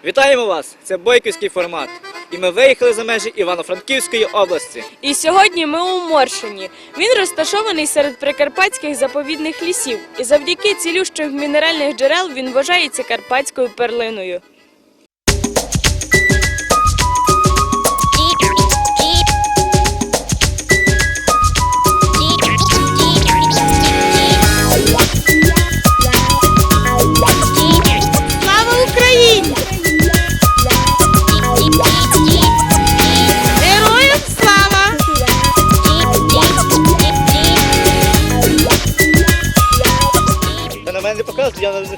Вітаємо вас! Це бойківський формат. І ми виїхали за межі Івано-Франківської області. І сьогодні ми у Моршині. Він розташований серед прикарпатських заповідних лісів. І завдяки цілющих мінеральних джерел він вважається карпатською перлиною. Слава Україні! Героям слава! Та на мене не показують, я не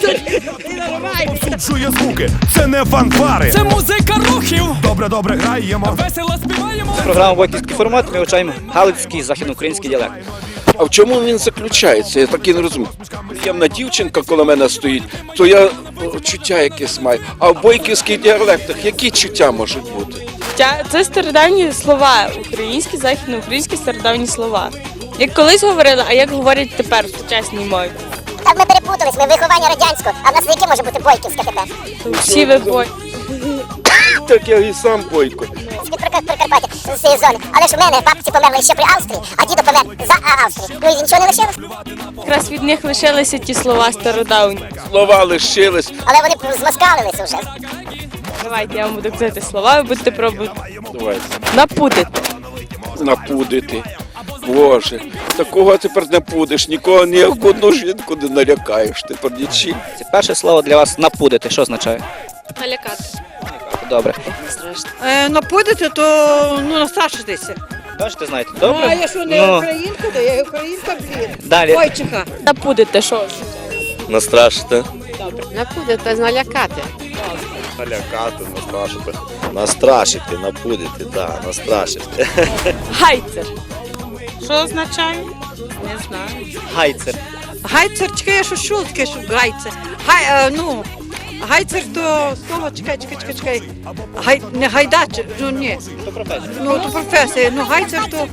Чує звуки, це не фанфари. Це музика рухів. Добре граємо. Весело співаємо. Програма «Бойківський формат» ми вивчаємо галицький західноукраїнський діалект. А в чому він заключається? Я так і не розумію. Приємна дівчинка коло мене стоїть, то я чуття якесь маю. А в бойківських діалектах які чуття можуть бути? Це стародавні слова, українські, західноукраїнські стародавні слова. Як колись говорили, а як говорять тепер в сучасній мові. Так ми переплутались, ми виховання радянського, а в нас яке може бути бойківське тепер? Всі ви Так я і сам бойко. З-під Прикарпаття, з цієї зони. Але ж у мене бабці померли ще при Австрії, а дідо помер за Австрії. Ну і нічого не лишилось. Якраз від них лишилися ті слова стародавні. Слова лишились. Але вони змаскалилися вже. Давайте я вам буду казати слова, ви будете пробувати Давайте. напудити. Напудити. Боже, такого тепер не будеш, нікого ні в одну жінку не налякаєш, тепер нічим. Це перше слово для вас «напудити». Що означає? Налякати. Добре. Напудити, то настрашитися. Бачите, знаєте? Добре? А я що, не Ну, українка, то я українка, блін. далі. Бойчиха. Напудити, що? Настрашити. Напудити, налякати. Налякати, настрашити. Настрашити, напудити, так, настрашити. Гайцер. Що означає? Не знаю. Гайцер. Гайцер, чекай, я що чула таке, що гайцер. Гайцер то слово, чекай. Не гайдач, ні. Це професія. То професія. Гайцер то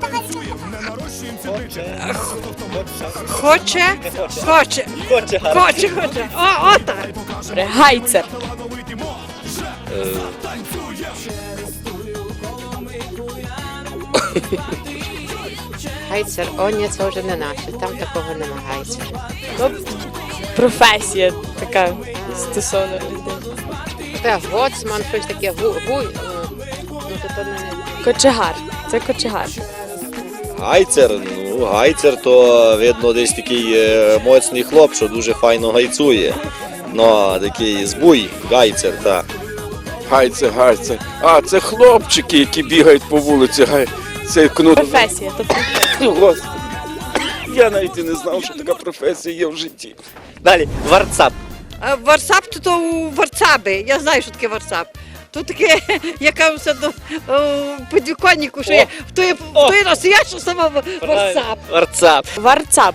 хоче. Хоче гарно. Так. Гайцер. Гайцер, ні, це вже не наше, там такого нема гайцера. Професія така стосовно людей. Це гоцман, щось таке, то не. Кочегар. Це кочегар. Гайцер то, видно, десь такий моцний хлоп, що дуже файно гайцує. Ну, такий збуй, гайцер, так. Гайце. А, це хлопчики, які бігають по вулиці. Це кнут. Професія. Тобто Господи. Я навіть і не знав, що така професія є в житті. Далі. Варцап. Варсап то у варцаби. Я знаю, що таке варсап. То таке, яка все до підвіконнику, що є. Хто є настояща сама варсап. Варцап. Варцап.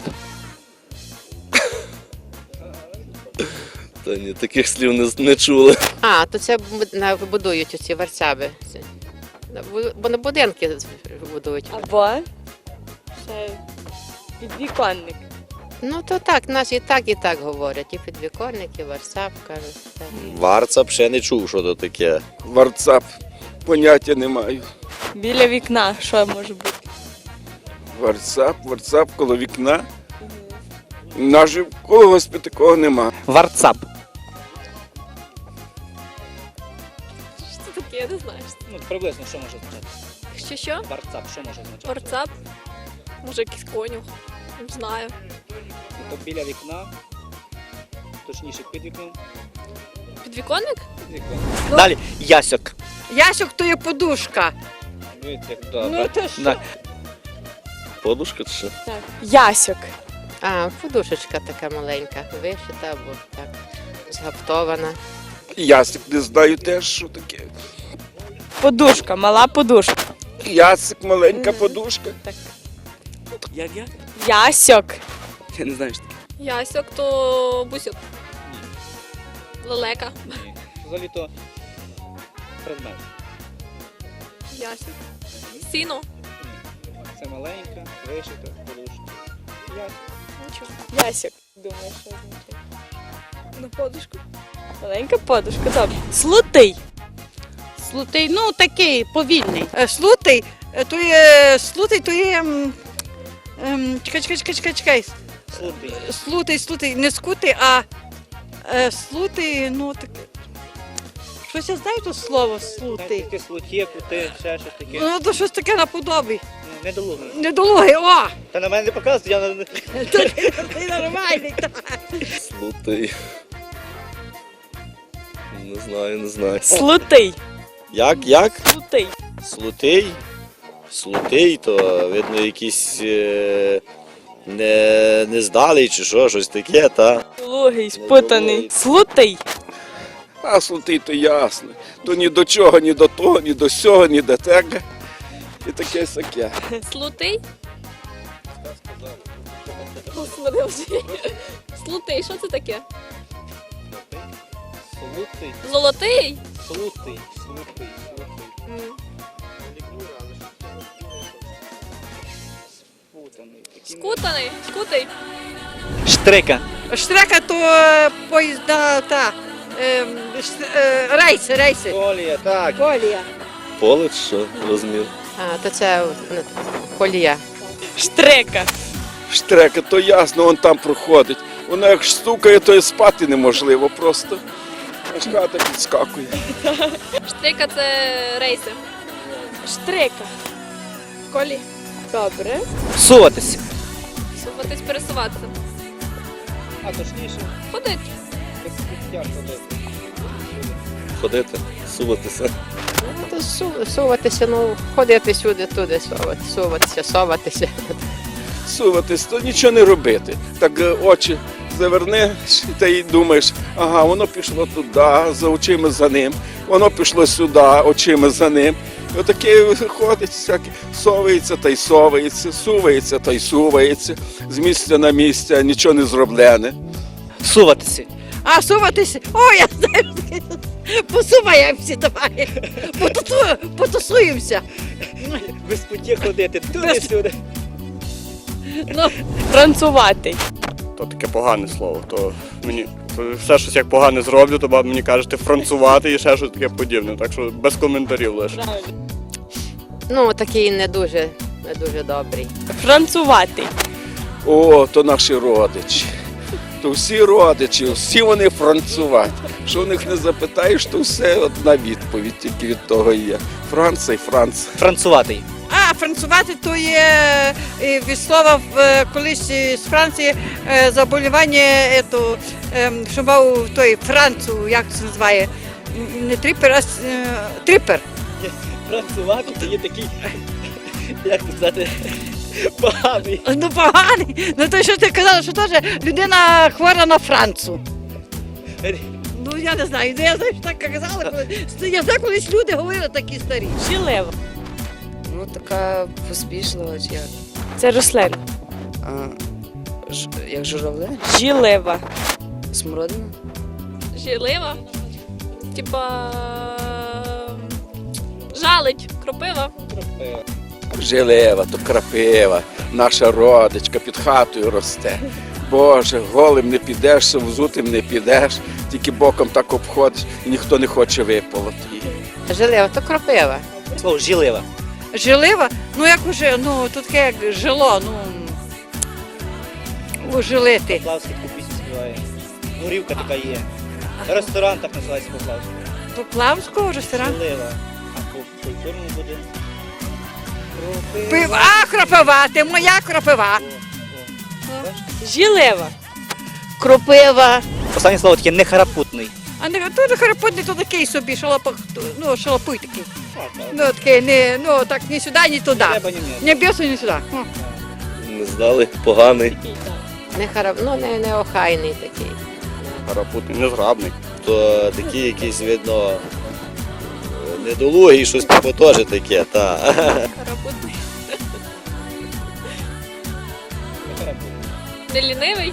Та ні, таких слів не чули. То це будують оці варцаби. Бо на будинки будують. Або ще підвіконник. То так, нас і так говорять. І підвіконник, і варсап, кажуть. Так. Варцап ще не чув, що то таке. Варцап. Поняття не маю. Біля вікна, що може бути? Варцап коло вікна. Наже в когось такого нема. Варцап. Що таке, я не знаю. Ну, приблизно, що може означати? Що? Варцап, що може означати? Варцап? Може якийсь конюх? Не знаю. То біля вікна, точніше під вікном. Підвіконник? Під вікном. Далі. Ясьок. Ясюк то є подушка. Дивіться, як добре. то що? Да. Подушка чи що? Ясьок. Подушечка така маленька, вишита або так, згаптована. Ясик не знаю теж, що таке. Подушка, мала подушка. Ясик, маленька подушка. Як? Ясьок. Я не знаю, що таке. Ясьок то бусьок. Лелека. Ні. Взагалі то предмет. Ясьок. Сіно. Ні. Це маленька, вишита, подушка. Ясьок. Нічого. Ясьок. Думаю, що означає. На подушку. Маленька подушка, добре. Слутий. Слутий, ну такий повільний. Слутий, то є. Чекай. Слутий, не скутий, а слутий, ну так. Щось я знаю то слово слутий. Таке слутє, кути, ще щось таке. Ну, то щось таке наподобі. Недолугий. Недолугий, о! Та на мене не показують, я не... Ти нормальний. Слутий. Не знаю. Слутий. Як? Слутий. Слутий, то видно якийсь не здалий чи що, щось таке, та. Лугий, спутаний. Слутий. А слутий то ясно. То ні до чого, ні до того, ні до сього, ні до того. І таке сяке. Слутий? Господи, вже. Слутий, що це таке? Слутий. Золотий? Слутий. Скутаний? Скутий? Штрика. Штрека то поїзда, рейси. Колія, так. Колія. Поле чи що, розумів? А, то це колія. Штрека. Штрека, то ясно, он там проходить. Воно як стукає, то і спати неможливо просто. Аж хата підскакує. Штрика це рейси. Штрека. Колі. Добре. Суватися. Суватись, пересуватися. А точніше, Ходить. як ходити. Ходити, суватися. Ну, то суватися, ну, ходити сюди, туди, соватися. Суватись, то нічого не робити. Так очі завернеш та й думаєш, ага, воно пішло туди, за очима за ним, воно пішло сюди, очима за ним. І отаке ходить, всяке, совається та й совається, сувається та й сувається, з місця на місце, нічого не зроблене. Суватися. А суватися, о, я знаю, посуваємося давай, потусуємося. Без путі ходити, туди-сюди. Ну, Францувати. То таке погане слово. То мені все щось як погане зроблю, то баба мені кажете францувати і ще щось таке подібне. Так що без коментарів лише. Ну, такий не дуже добрий. Францувати. О, то наші родичі. То всі родичі, всі вони францувати. Що в них не запитаєш, то все одна відповідь тільки від того є. Франція і Франція. Француватий. а францувати то є від слова колись з Франції заболівання, що мав той Францу, як це називає, не трипер, а трипер. Францувати це є такий, як це сказати, поганий. Ну поганий. Ну то що ти казала, що теж людина хвора на Францу. Ну я не знаю, я знаю, що так казали. Я знаю, колись люди говорили такі старі. Жилева. Ну, така поспішлива, чи як? Це рослина. Як журавле? Жилева. Смородина? Жілива. Типа. Жалить. Кропива. Жилева, то крапива, наша родичка під хатою росте. Боже, голим не підеш, взутим не підеш, тільки боком так обходиш і ніхто не хоче виполоти її. Жилева, то кропива. Слово жилива. Жилива? Ну як уже, ну тут таке як жило, ужилити. Поплавський таку пісню співає. Горівка така є. Ресторан так називається Поплавський. Поплавського ресторану? Жилива. А по культурному буде? Пива, кропива, ти моя кропива. Жилева. Кропива. Останнє слово таке нехарапутний. А не то не харапотний, то такий собі, шалапуй такий. Ну такий, не, так ні сюди, ні туди. Треба ні м'ясо. Не б'єсо, ні сюди. Не здали, поганий. Неохайний такий. Гарапутний, незграбний. То такий якийсь, видно, недолугий, щось типу теж таке, та. Карапутний. Не лінивий?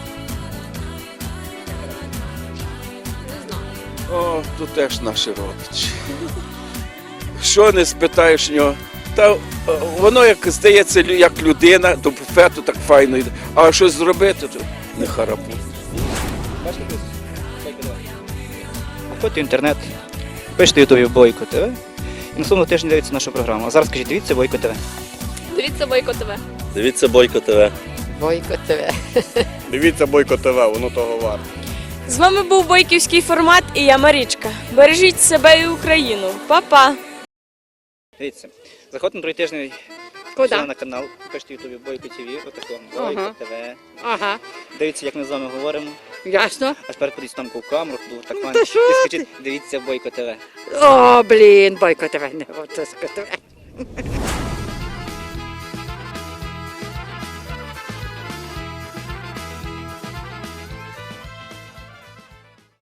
Не знаю. О, то теж наші родичі. Що не спитаєш нього? Та воно, як здається, як людина, до буфету так файно йде. А щось зробити, то не харапут. Заходьте в інтернет, пишете в Ютубі Бойко ТВ і наступного тижня дивіться нашу програму. А зараз скажіть, дивіться Бойко ТВ. Дивіться Бойко ТВ. Дивіться Бойко ТВ. Бойко ТВ. Дивіться Бойко ТВ, воно того варте. З вами був бойківський формат і я Марічка. Бережіть себе і Україну. Па-па! Дивіться, заходьте на другий тиждень Куди? на канал, пишете в Ютубі Бойко ТВ, отакого, Бойко Ага. ТВ. Ага, Дивіться, як ми з вами говоримо. ясно. Аж тепер подивіться там в камеру, так Ну, файно. та що І ти? скажіть, дивіться Бойко ТВ. О, блін, Бойко ТВ, не Бойко ТВ.